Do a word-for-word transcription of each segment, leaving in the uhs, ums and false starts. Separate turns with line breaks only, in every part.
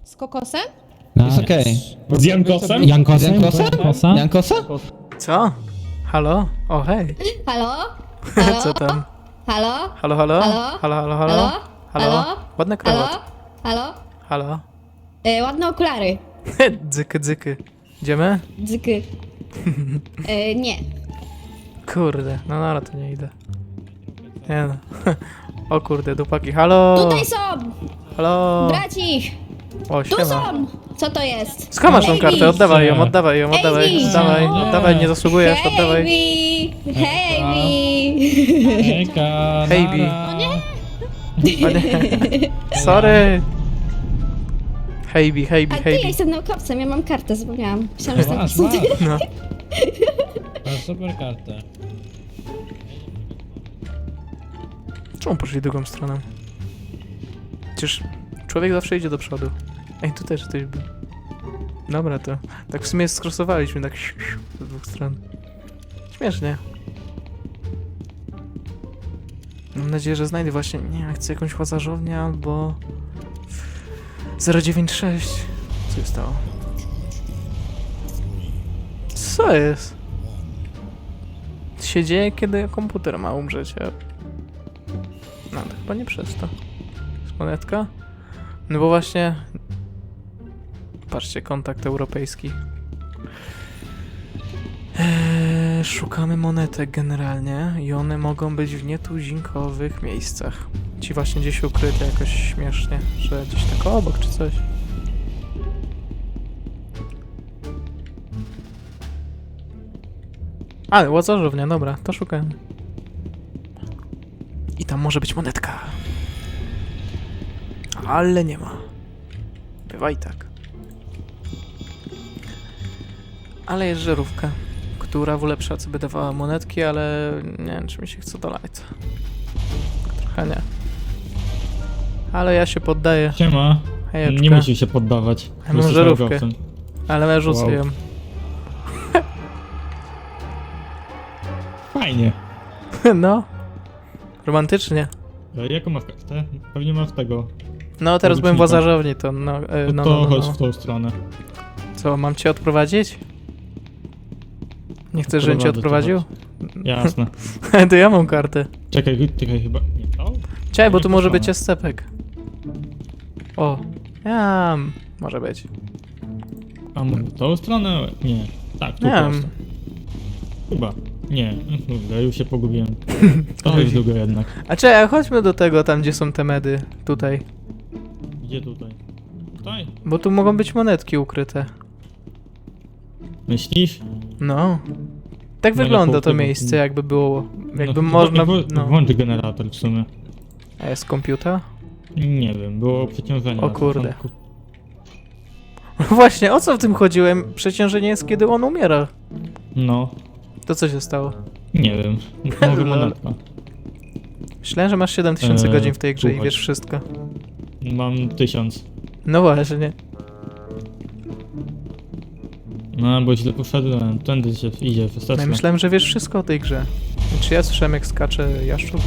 Z kokosem?
Jest okej.
Z Jankosem?
Jankosem?
Jankosa?
Jankosa? Jankosa?
Co? Halo? O, hej.
Halo? Halo?
Co tam?
Halo?
Halo, halo?
Halo?
Halo, halo,
Halo?
halo? Halo?
Halo?
Ładny
Halo?
krawat.
Halo?
Halo?
E, ładne okulary.
Dzyky, dzyky. Idziemy?
Dzyky. E, nie.
Kurde, no dobra, to nie idę. Nie no. O kurde, dupaki. Halo?
Tutaj są!
Halo?
Braci!
O,
Tu
siema.
są! Co to jest?
Skąd masz tą
Ej,
kartę? Oddawaj ją, oddawaj ją, oddawaj,
Ej,
oddawaj,
nie.
oddawaj, nie zasługujesz,
Hej,
oddawaj.
Bi! Hej, Bi!
Eka,
Hej, Bi.
nara.
O nie. Sorry. Hejbi, hejbi,
A ty, ja
hejbi.
jestem naukowcem, ja mam kartę, zapomniałam. Myślałam, że
Masz,
to
masz.
No.
Masz super kartę.
Czemu poszli drugą stroną? Przecież człowiek zawsze idzie do przodu. Ej, tu też ktoś był. Dobra, to tak w sumie skrosowaliśmy tak siu, siu, z dwóch stron. Śmiesznie. Mam nadzieję, że znajdę właśnie, nie wiem, chcę jakąś łazarzownię albo... zero dziewięć sześć. Co się stało? Co jest? Co się dzieje, kiedy komputer ma umrzeć? Ja... No, to chyba nie przez to. Jest monetka? No bo właśnie... Patrzcie, kontakt europejski. Eee, szukamy monetek generalnie i one mogą być w nietuzinkowych miejscach. Ci właśnie gdzieś ukryte jakoś śmiesznie, że gdzieś tak obok czy coś. Ale łazarzownia, dobra, to szukamy. I tam może być monetka. Ale nie ma. Bywa i tak. Ale jest żarówka, która w lepsza co by dawała monetki, ale nie wiem, czy mi się chce dolać. Trochę nie. Ale ja się poddaję.
Siema.
Hejeczka.
Nie musisz się poddawać.
Ja mam
Jesteś
żarówkę.
naukowcem.
Ale ja rzucę
Wow.
ją.
Fajnie.
No. Romantycznie.
A jaką masz kartę? Pewnie masz tego.
No, teraz byłem w
Porucznika.
łazarzowni, to no, e,
No
no,
to
no, no,
chodź
no.
w tą stronę.
Co, mam cię odprowadzić? Nie chcesz, żebym cię
Odprowadzę cię,
odprowadził?
Jasne.
To ja mam kartę.
Czekaj, czekaj chyba. Nie to?
Czekaj, bo
Nie
tu może
poszłam.
być escepek. O. Ja, może być.
A może w tą stronę? Nie. Tak, tu
Nie wiem.
prosto. Chyba. Nie. Kurde, już się pogubiłem. To jest długo jednak.
A czekaj, chodźmy do tego, tam gdzie są te medy. Tutaj.
Gdzie tutaj? Tutaj?
Bo tu mogą być monetki ukryte.
Myślisz?
No. Tak
No,
wygląda
nie
to
po-
miejsce, jakby było. Jakby
no,
można.
Włącz,
No.
włącz generator w sumie.
A jest komputer?
Nie wiem, było przeciążenie.
O
na
kurde.
początku.
Właśnie, o co w tym chodziłem? Przeciążenie jest, kiedy on umiera.
No,
To co się stało?
nie wiem. Może
Lol.
monetka.
Myślałem, że masz siedem tysięcy
Eee,
godzin w tej grze i
słuchaj.
wiesz wszystko.
Mam tysiąc.
No właśnie.
No, bo źle poszedłem. Tędy się idzie,
No
wystarczy.
ja myślałem, że wiesz wszystko o tej grze. Czy ja słyszałem, jak skacze jaszczur?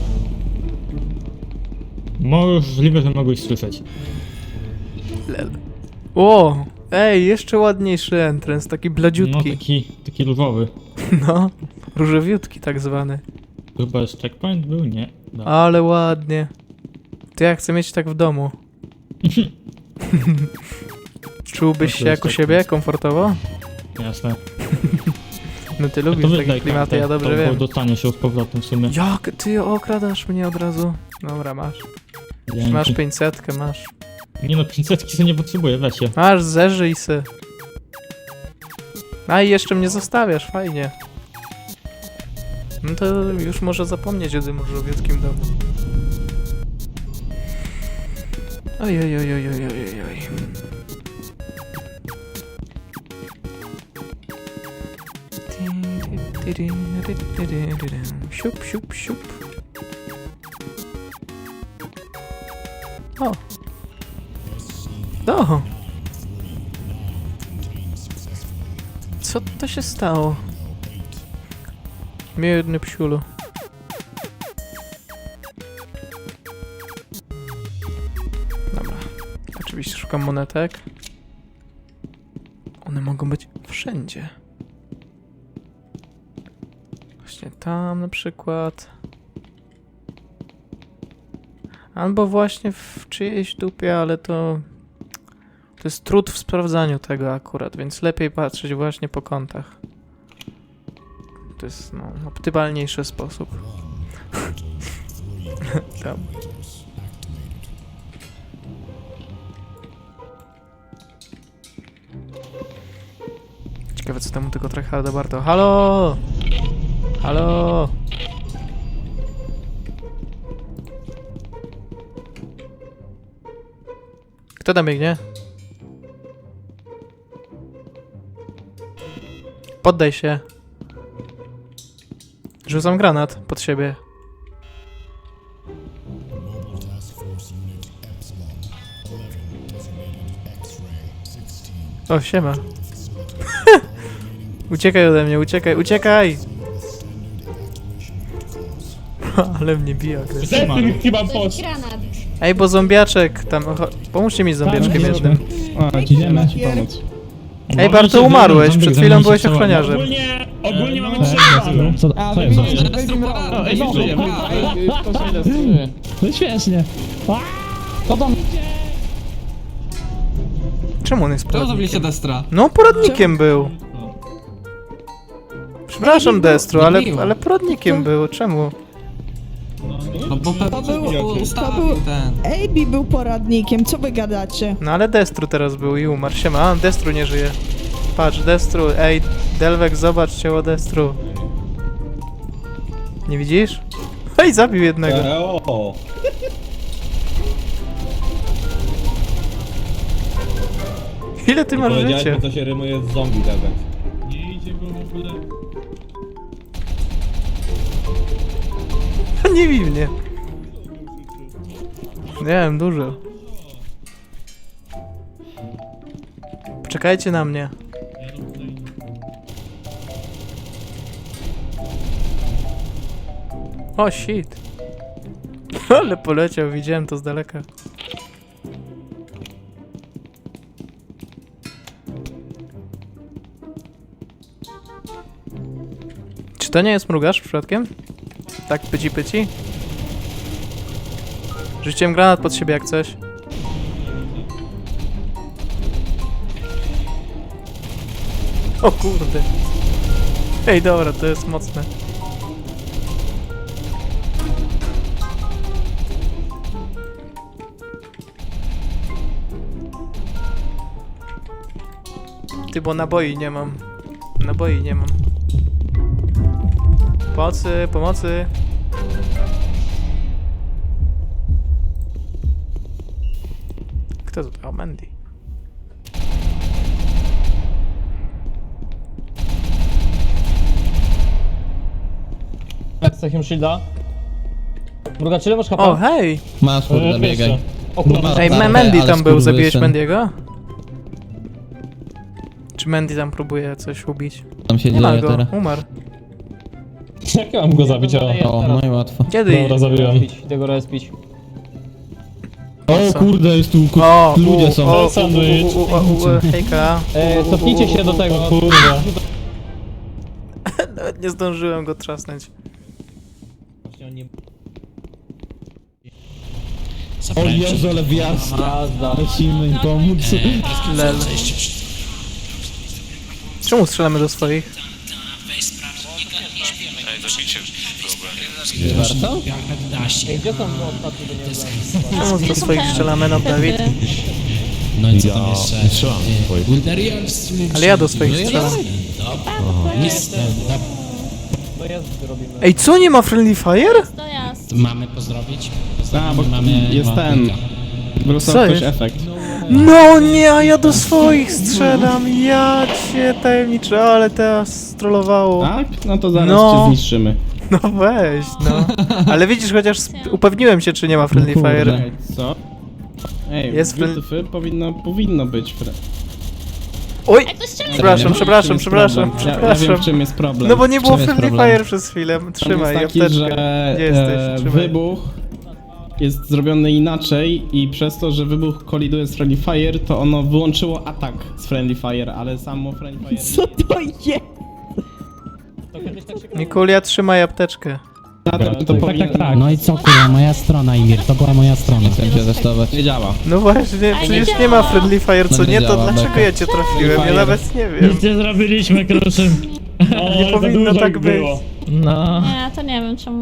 Możliwe, że mogłeś słyszeć.
Lel. O! Ej, jeszcze ładniejszy entrance, taki
No,
bladziutki.
taki, taki różowy.
No, różowiutki tak zwany.
To chyba jest checkpoint był? Nie. No.
Ale ładnie. To ja chcę mieć tak w domu. Czułbyś
No to
się
jest
jak u
tak
siebie,
nic.
komfortowo?
Jasne.
No ty
To
lubisz takie
wydaj
klimaty, ja
kartę,
dobrze
to,
wiem.
Bo dostanie się z powrotem w sumie.
Jak ty okradasz mnie od razu? Dobra, masz.
Dzięki.
Masz pięćsetkę, masz.
Nie no, pięćsetki sobie nie potrzebuję, weź je.
Masz, zeżyj se. A i jeszcze mnie zostawiasz, fajnie. No to już może zapomnieć o tym różowieckim domu. Oj, oj, oj, oj, oj, oj, oj. Siup, siup, siup. O. O. Co to się stało? Biedny psiulu. Dobra. Oczywiście Szukam monetek. One mogą być wszędzie. Właśnie tam na przykład. Albo właśnie w czyjejś dupie, ale to... To jest trud w sprawdzaniu tego akurat, więc lepiej patrzeć właśnie po kątach. To jest, no, optymalniejszy sposób. Tam. Ciekawe co temu tego tryharda warto. Halo! Halo! Kto tam biegnie? Poddaj się. Rzucam granat pod siebie. O, siema. Uciekaj ode mnie, uciekaj, uciekaj! Ale mnie bija, agresja.
Zepnij chyba
To jest
post.
granat.
Ej, bo zombiaczek tam... cho- Pomóżcie mi z zombiaczkiem jednym.
A, idziemy ci pomóc.
Ej, Barto, umarłeś, przed chwilą byłeś ochroniarzem.
Ogólnie, ogólnie mamy
No,
przerwę.
co, co jest?
O, ej, żyjemy.
No śmiesznie. Co tam?
Czemu on jest
Czemu zrobiliście
poradnikiem?
Destra?
No, poradnikiem był. Przepraszam, Destru, ale,
miło.
ale poradnikiem był. Czemu?
No bo Pepe
To był-
ustawił
to był-
ten.
Ejbi był poradnikiem, co wy gadacie?
No ale Destru teraz był i umarł. Siema, a Destru nie żyje. Patrz, Destru, ej, Delwek, zobacz ciało Destru. Nie widzisz? Ej, zabił jednego.
O,
Ile ty masz
powiedziałeś,
życia?
bo to się rymuje z zombie, Delwek.
Nie idzie go w ogóle.
Nie bij mnie. Nie wiem, dużo. Poczekajcie na mnie. O, shit. Ale poleciał, widziałem to z daleka. Czy to nie jest mrugasz przypadkiem? Tak pyci pyci? Rzuciłem granat pod siebie jak coś. O kurde. Ej, dobra, to jest mocne. Ty, bo naboi nie mam. Naboi nie mam. Pomocy, pomocy. Kto to? O, Mandy.
Z takim shielda. Mrugacz, ile masz
O,
hapa?
hej!
Masz, kurde, biegaj.
O kurwa.
Ej,
Tarczę,
Mandy
ale
tam był, zabiłeś
skurwysyn.
Mandiego? Czy Mandy tam próbuje coś ubić?
Tam się
Nie ma
dzieje
go,
teraz.
umarł.
Jak ja mam go zabić? O,
O, no i łatwo.
Kiedy?
dobra, zabiłem.
Idę go respić.
O kurde, jest tu ku...
O,
ludzie
u,
są.
O, u, u,
Sandwich.
u, u, u, u, hejka.
E, cofnijcie się do tego.
Kurwa.
Nawet nie zdążyłem go trzasnąć.
Właśnie on nie...
O Jezu, ale wjazda.
Jazda.
Musimy im pomóc.
Lel. Czemu strzelamy do swoich?
Warto? Ej, gdzie są ostatnie do niego?
Czemu do swoich strzelamy, no Dawid?
No i co tam jeszcze? Wilderians.
Ale ja do swoich strzelam.
Nic, no,
To jest, robimy.
Ej, co, nie ma Friendly Fire?
To jasne.
mamy pozdrowić?
A, bo
Mamy
jest ten.
Waldeka.
Wrócił
Co
ktoś
jest?
efekt.
No nie, a ja do swoich strzelam, ja cię tajemniczy, ale teraz strollowało.
Tak? No to zaraz
No.
cię zniszczymy.
No weź, no. Ale widzisz, chociaż sp- upewniłem się, czy nie ma Friendly
kurde.
Fire.
Ej, co? Ej,
Jest
jest
fre-
powinno, powinno być fre...
Oj!
Jak to strzela?
Przepraszam,
W
przepraszam,
czym jest
przepraszam,
problem? Ja, ja
przepraszam.
wiem, w czym jest problem.
No bo nie było
czym jest
Friendly
problem?
Fire przez chwilę.
Problem
Trzymaj,
jest taki,
apteczkę.
że
Gdzie jesteś?
e,
Trzymaj.
wybuch jest zrobione inaczej i przez to, że wybuch koliduje z Friendly Fire, to ono wyłączyło atak z Friendly Fire, ale samo Friendly Fire...
Co to jest?
Mikulia, trzymaj apteczkę.
Na tym to powinien...
No i co kurwa, moja strona Imir, to była moja strona.
Nie działa.
No właśnie, przecież nie ma Friendly Fire, co nie, to dlaczego ja cię trafiłem? Ja nawet nie wiem.
Nic nie zrobiliśmy, Kruszym.
Nie powinno tak być.
No.
Nie, to nie wiem czemu.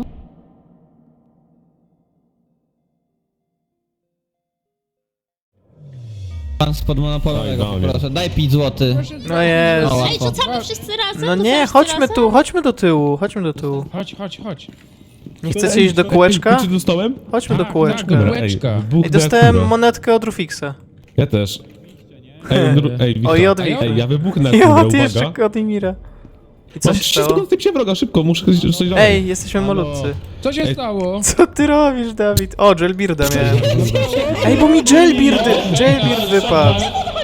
Pan spod monopolowego, proszę, daj pięć złotych.
No jest.
Ej, rzucamy wszyscy razem?
No
To
nie,
wszyscy
chodźmy
razem?
tu, chodźmy do tyłu, chodźmy do tyłu.
Chodź, chodź, chodź.
Nie chcecie iść do kółeczka?
Czy dostałem?
Chodźmy do
Tak,
kółeczka.
tak, dobra.
Ej,
Ej, dostałem monetkę od Rufixa.
Ja też. Ej, dru- ej, Wiktor.
O, i od Wiktora.
Ej, ja wybuchnę,
I
kurde,
od jeszcze
uwaga.
od Imira. I co
Mam
się
trzy
stało?
sekundy się wroga, szybko, muszę coś coś robić.
Ej, jesteśmy malutcy.
Co się
Ej.
stało?
Co ty robisz, Dawid? O, Jailbirda miałem. Ej, bo mi Jailbird, Jailbird wypadł.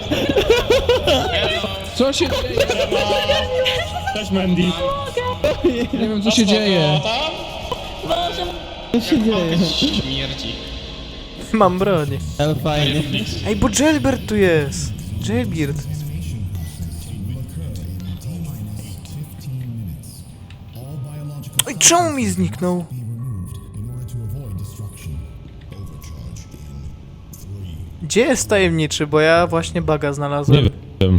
Co się dzieje?
Cześć, Mandy.
Nie wiem co się dzieje.
Mam broń.
Ale fajnie.
Ej, bo Jailbird tu jest. Jailbird. Oj, czemu mi zniknął? Gdzie jest tajemniczy, bo ja właśnie baga znalazłem.
Nie wiem.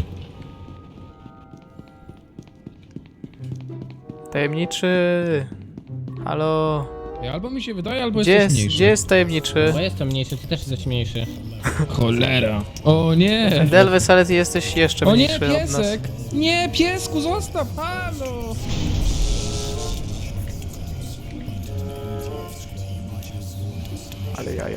Tajemniczy... Halo...
Albo mi się wydaje, albo
Gdzie
jesteś
jest,
mniejszy.
gdzie jest tajemniczy?
Bo jestem mniejszy, ty też jesteś mniejszy.
Cholera.
O nie!
Delves, ale ty jesteś jeszcze
O nie,
mniejszy od nas.
piesek! Nie, piesku, zostaw! Halo!
Ale jaja.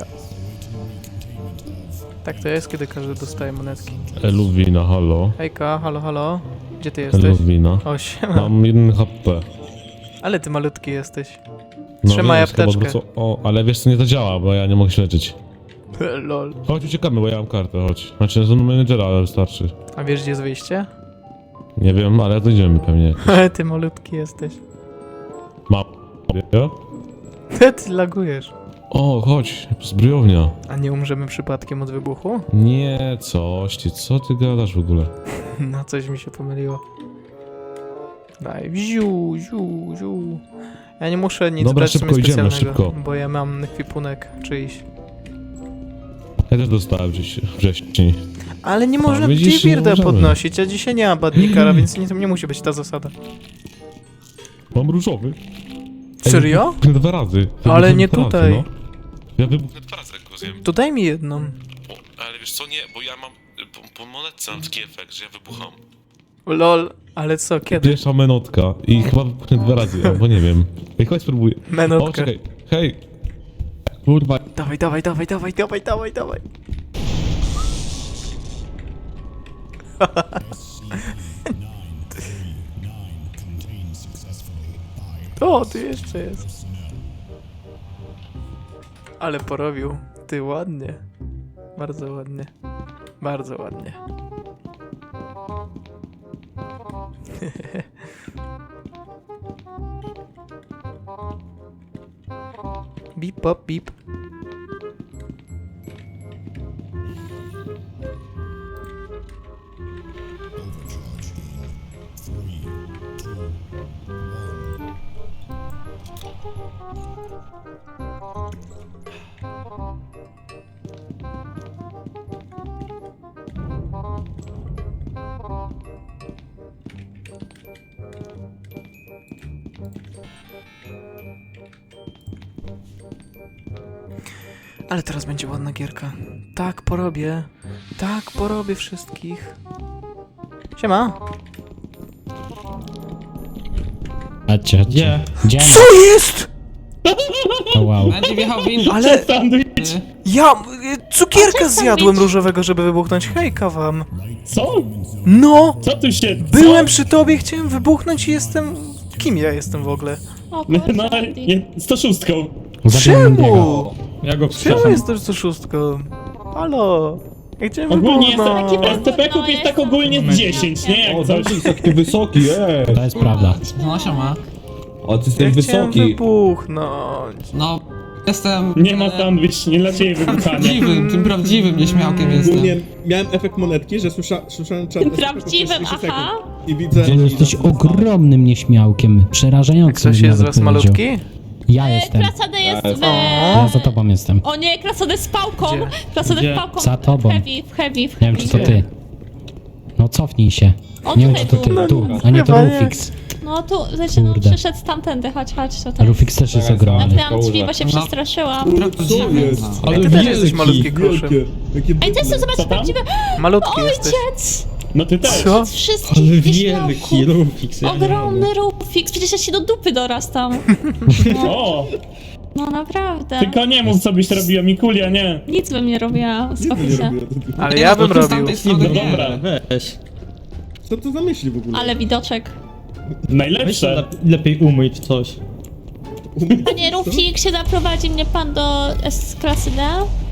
Tak to jest, kiedy każdy dostaje monetki.
Eluwina, halo.
Hejka, halo, halo. Gdzie ty jesteś?
Eluwina.
O, siema.
Mam jeden H P.
Ale ty malutki jesteś.
No,
Trzymaj
wiesz, chyba
apteczkę.
wrócą- O, ale wiesz co, nie to działa, bo ja nie mogę się leczyć.
Lol.
Chodź, uciekamy, bo ja mam kartę, chodź. Znaczy, z menedżera, ale wystarczy.
A wiesz, gdzie jest wyjście?
Nie wiem, ale dojdziemy pewnie.
Ty malutki jesteś.
Mam.
Ty lagujesz.
O, chodź, zbrojownia.
A nie umrzemy przypadkiem od wybuchu?
Nie, coś ty, co ty gadasz w ogóle?
No, coś mi się pomyliło. Daj, ziu, ziu, ziu. Ja nie muszę nic
Dobra,
brać
szybko
sobie
idziemy,
specjalnego,
szybko.
bo ja mam ekwipunek czyjś.
Ja też dostałem wcześ- wcześniej.
Ale nie można
widzisz, nie
Jailbirda
możemy.
podnosić, a dzisiaj nie ma badnikara, więc nie, nie musi być ta zasada.
Mam różowy. Ej,
Serio?
wybuchnę dwa razy.
Ale
Wybuchnę
nie
dwa
tutaj.
Razy, no. Ja wybuchnę dwa razy, jak go zjem.
To daj mi jedną.
O, ale wiesz co, nie, bo ja mam... Po, po monetce mam taki efekt, że ja wybucham.
Lol, ale co, kiedy?
Pierwsza menotka i chyba wybuchnę dwa razy, albo nie wiem. Ej, chodź spróbuję. O,
Menotkę.
czekaj. Hej. Kurwa.
Dawaj, dawaj, dawaj, dawaj, dawaj, dawaj, dawaj. O, tu jeszcze jest. Ale porobił. Ty ładnie. Bardzo ładnie. Bardzo ładnie. Bip, pop, bip. Ale teraz będzie ładna gierka. Tak porobię. Tak porobię wszystkich. Siema.
Chodźcie, chodźcie.
Gdzie?
Gdzie?
Co jest?
O, wow.
Będzie wjechał windą.
Ale
Sandwich.
ja y, cukierka zjadłem różowego, żeby wybuchnąć. Hejka wam.
Co?
No!
Co tu się...
Byłem przy tobie, chciałem wybuchnąć i jestem... Kim ja jestem w ogóle?
O kurczę,
No, nie, sto sześć.
Zabiłem Mendiego.
Czemu?
Ja go
Czemu
wstrzymam.
jesteś to szóstką? Halo? Ja chciałem
Ogólnie jest
wybuchnąć.
taki S T P kup jest tak ogólnie z dziesięć, nie? Jak coś.
jest taki wysoki, ej.
To jest prawda.
No siema. O, ty
Ja
jesteś
chciałem
wysoki.
wybuchnąć.
No,
Jestem...
Nie ma sandwich, nie dla ciebie wybuchania.
Prawdziwym, tym prawdziwym nieśmiałkiem jestem.
Ogólnie miałem efekt monetki, że słysza, słyszałem czarny
Prawdziwym, aha.
i widzę...
Ty jesteś ogromnym nieśmiałkiem, przerażającym
Ktoś
bym
jest z
nawet
was
powiedział.
malutki?
Ja
E,
jestem.
Krasady jest w...
Ja za tobą jestem.
O nie, krasady z pałką.
Gdzie?
Krasady
Gdzie?
z pałką
Za tobą.
w heavy, w heavy, w
Nie wiem, czy to
heavy.
ty. No cofnij się.
O,
Nie wiem,
tutaj
czy to ty.
był.
Tu, a nie to
Chyba nie.
Rufix.
No tu, znaczy, no,
Kurde.
przyszedł tamtędy, chodź, chodź
A
tutaj.
Rufix też jest ogromny.
Zamknęłam drzwi, bo się przestraszyłam.
Prawdziwy.
jest?
no.
Ej, ty też jesteś malutki, kruszym.
Wielkie, jakie
Ej, ty chcesz zobaczyć
Co tam?
prawdziwe...
Malutki jesteś.
Ojciec!
No ty też.
Co?
Ojciec wszystkich wieśniaków.
Rufix.
Ogromny Rufix, przecież ja się do dupy dorastam.
O,
No naprawdę.
tylko nie mów co byś robiła, Mikulia, nie.
Nic bym nie robiła, uspokój się.
Ale ja bym
No to z
robił.
tamtej strony
No
nie.
dobra,
Weź.
Co to za myśli w ogóle?
Ale widoczek.
najlepsze.
Lepiej umyć coś.
Panie Rufixie, zaprowadzi mnie pan do S-klasy D?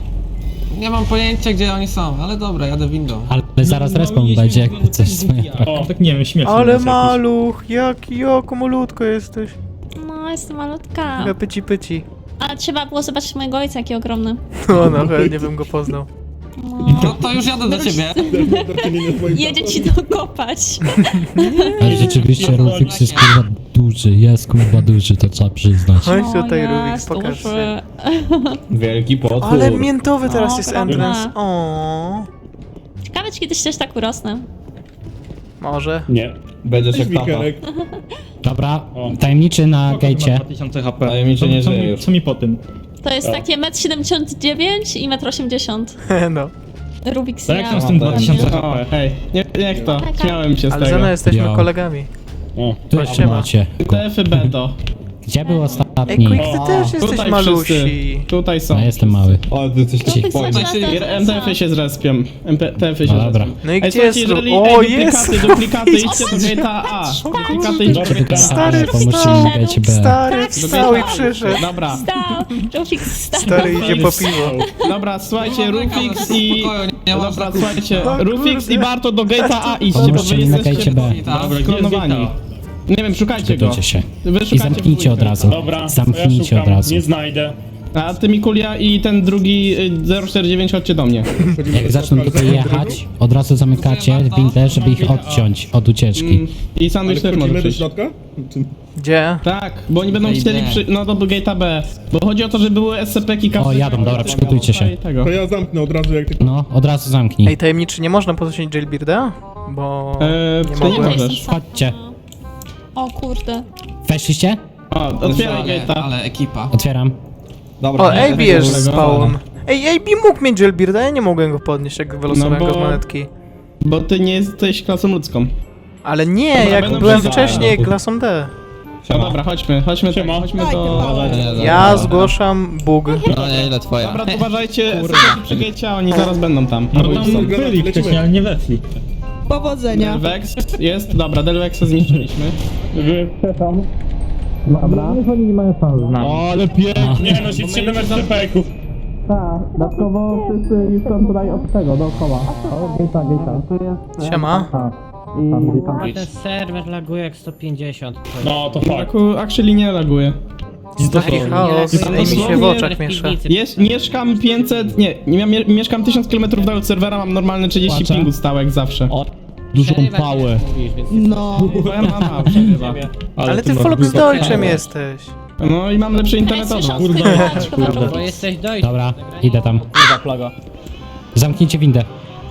Nie mam pojęcia gdzie oni są, ale dobra, jadę windą.
Ale zaraz respawn będzie, jakby coś swoje.
O, tak nie wiem, śmieszne.
Ale
jest jakoś.
maluch, jaki jako malutko jesteś.
No, jestem malutka.
Taka pyci pyci.
Ale trzeba było zobaczyć mojego ojca, jaki ogromny.
No, no, chętnie bym go poznał.
No.
No to już jadę do ciebie.
Do czynienia z moim
Jedzie
tatą.
ci dokopać.
Ale rzeczywiście Rufix jest kurwa duży, jest kurwa duży, to trzeba przyznać.
Chodź
O,
tutaj,
jest
Rubik, pokaż
duży.
się.
Wielki potwór.
Ale miętowy teraz
O,
jest
prawda.
entrance. O,
Ciekawe, czy kiedyś też tak urosnę.
może.
Nie.
Będziesz
Cześć, Wikerek.
Dobra,
O.
tajemniczy na gejcie.
dwa tysiące H P.
Tajemniczy nie
co,
żyje
mi,
już.
co mi po tym?
To jest
O.
takie metr siedemdziesiąt dziewięć i metr osiemdziesiąt.
No.
Rubik's
Tak jak
ja.
tam z tym dwa tysiące
O,
H P?
hej, nie, niech to, śmiałem się z
Ale
tego.
Zena jesteśmy
Jo.
kolegami.
O,
Tu
Chodź,
jeszcze
siema.
macie.
T F B to.
Gdzie był
Ej,
ostatni?
Quick, ty też jesteś
Tutaj
malusi.
wszyscy, tutaj są.
No jestem mały.
O, ty jesteś
Rubik
Tutaj
zaczyna
się-
ten-
M T F-y się zrespią. M T F-y się
No dobra.
zrespią.
No i
Ej,
gdzie
słuchajcie,
jest
jeżeli
Ru-
ej,
O,
duplikaty,
jest!
duplikaty, idźcie do gate'a A. Duplikaty idźcie do gate'a A.
Stary,
Pomóżcie
wstał.
mi na gejcie B.
Stary,
Tak,
wstał i
wstał.
przyszedł.
Dobra,
Stał! Rubik stał!
Stary idzie po piwo.
dobra, słuchajcie, Rufix i...
Spokoju, nie ma
Dobra,
znaku.
słuchajcie,
O
Rufix
kurde.
i Barto do gate'a A idźcie, bo
Pomóżcie
wy
mi na
jesteście
gejcie B.
Dobra,
skronowani. Nie wiem, szukajcie go.
Przygotujcie się.
Wy
I
szukacie
zamknijcie od
dwójkę.
razu.
Dobra, to ja
Zamknijcie
szukam,
od razu.
nie znajdę.
A ty Mikulia i ten drugi y, zero cztery dziewięć chodźcie do mnie.
Jak zaczną tutaj jechać, od razu zamykacie windę, żeby ich odciąć od ucieczki.
I sandwich też może
Wchodzimy do
przyjść.
środka? Czy...
Gdzie?
Tak, bo oni będą
Ej,
chcieli
nie.
przy... no do gate'a B. Bo chodzi o to, że były S C P-ki
O, jadą, dobra, przygotujcie się.
I tego.
To ja zamknę od razu jak tylko...
No, od razu zamknij.
Ej, tajemniczy, nie można podnosić jailbirda? Bo...
Eee,
Nie
ty nie
mogę.
możesz.
Chodźcie.
O kurde.
Weszliście?
O, otwieraj
Ale,
gate'a.
ale ekipa.
Otwieram.
O, A B jest
tego
spawn. Ej, A B mógł mieć jailbirda, ja nie mogłem go podnieść, jak wylosowałem
No
go
bo-
z monetki.
Bo ty nie jesteś klasą ludzką.
Ale nie,
Dobra,
jak
będą
byłem
przyjechać.
wcześniej klasą D.
No dobra, chodźmy, chodźmy, tak,
Siema.
chodźmy
Daj,
do...
Paweł.
Ja zgłaszam bug.
No nie, ile twoja?
Dobra, to uważajcie, S C P-ki przy gate'cie, a oni zaraz będą tam.
No
Albo już są.
tam byli wcześniej, ale nie weszli.
Powodzenia.
Delvex jest, dobra, Delvexa zniszczyliśmy.
O, ale pięknie. Nie no, siedem R T P-ków.
Dodatkowo wszyscy już są tutaj od tego, dookoła. O, gate'a, gate'a.
Siema.
A ten serwer laguje jak sto pięćdziesiąt.
No, to fakt.
Taku, actually nie laguje.
Taki chaos, ej mi się w oczach miesza.
Jest, mieszkam pięćset, nie, nie mie, mieszkam tysiąc kilometrów dalej od serwera, mam normalne trzydzieści pingu stałek zawsze.
Dużą pałę.
No.
Moja mama przebywa.
Ale ty Volksdeutschem jesteś.
No i mam lepszy internet od was.
Kurde,
Bo jesteś dojść. Dobra, idę tam. Zamknijcie windę.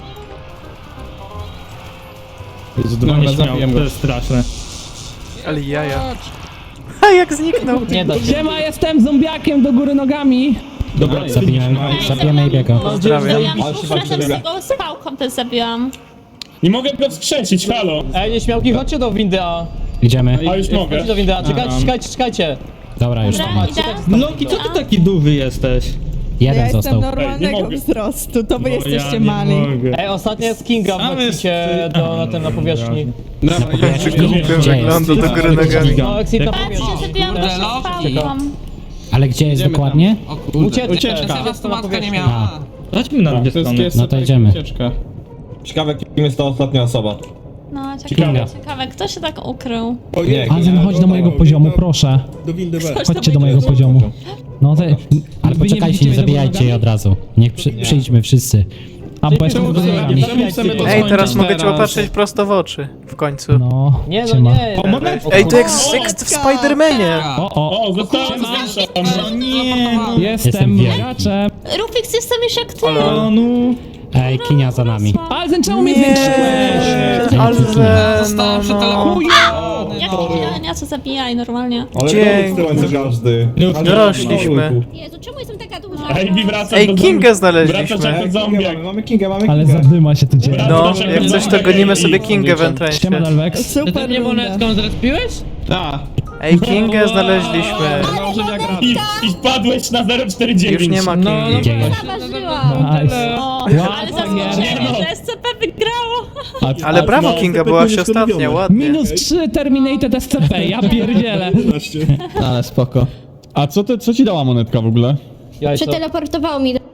Jezu, dwa
Dobra,
nieśmiałe,
zabiłem go.
to jest straszne.
Ale jaja. A jak zniknął?
Nie da się.
Siema, jestem zombiakiem do góry nogami.
Dobra,
Zabiłem, zabiłem Ejbiego.
Pozdrawiam.
Ja mam flashem z tego z pałką też zabiłam.
nie mogę go wskrzesić, halo.
Ej, nieśmiałki, chodźcie do windy A. Idziemy.
A już mogę.
Do windy A, czekajcie, czekajcie, czekajcie. Dobra, już tam.
Dobra, idę.
Loki, co ty taki duwy jesteś?
Ja
Jeden
jestem
został.
normalnego
Ej, nie mogę.
wzrostu, to wy
No,
jesteście
ja nie
mali.
mogę.
Ej, ostatnia jest Kinga, wrócicie do, na tym, na powierzchni.
Dobra,
Głupio wygląda do góry nogami.
No, exit na
Patrzcie,
powierzchni.
zabiłam
Kurde,
też z
Loki.
pałką.
Ale gdzie jest
Idziemy
dokładnie?
O kurde.
Ucieczka.
Ucieczka.
Teraz to matka nie
A.
miała.
Chodźmy na dwie
to jest,
strony.
jest
No to idziemy.
ucieczka.
Ciekawe, kim jest ta ostatnia osoba.
No,
Ciekawe.
ciekawe, ciekawe, kto się tak ukrył?
O nie,
Azem, chodź do mojego poziomu, proszę.
Do windy B.
Chodźcie do mojego poziomu. No to... Ale
Wy nie
poczekajcie,
widzicie
nie
mnie do
zabijajcie jej
nogami?
od razu. Niech przy, przyjdźmy wszyscy.
A bo jestem
Czemu
z nogami.
czemu chcemy to
Ej, teraz
skończyć
mogę cię
teraz?
popatrzeć prosto w oczy. W końcu.
No,
Nie, no
siema.
nie.
O, monetka!
Ej, to jak, jak w Spidermanie.
O, o,
O, zostałem
No nie, no.
Jestem
Jestem
wielki.
bogaczem.
Rufix, jestem już jak ty.
O, no.
Ej, Kinia za nami.
Alzen, czemu mnie zwiększyłeś?
Ale
Zostałem
no,
przy
no.
telefonie.
Jak ja co zabijaj normalnie.
Ale
Dzięki.
to tyłem co każdy.
Dorośliśmy.
Jezu, czemu jestem taka duża?
Ej, Kingę znaleźliśmy.
Mamy, mamy Kingę, mamy
Ale
Kingę.
zadyma się tu dzieje.
No, jak coś to gonimy sobie Kingę w entrencie.
Siema, Dalvex.
Super mnie monetką zrespiłeś?
Tak.
Ej, Kingę znaleźliśmy.
Założenia gra.
I wpadłeś na zero cztery dziewięć.
Już nie ma
No, no,
Kingi.
Nice.
O,
Wow,
ale
tak
zaskoczenie,
jest.
że S C P wygrało.
Ale brawo, Kinga, byłaś ostatnia, ładnie.
Minus trzy Terminated S C P, ja pierdzielę.
jedenaście.
Ale spoko.
A co, ty, co ci dała monetka w ogóle?
Ja
Przeteleportowało mi do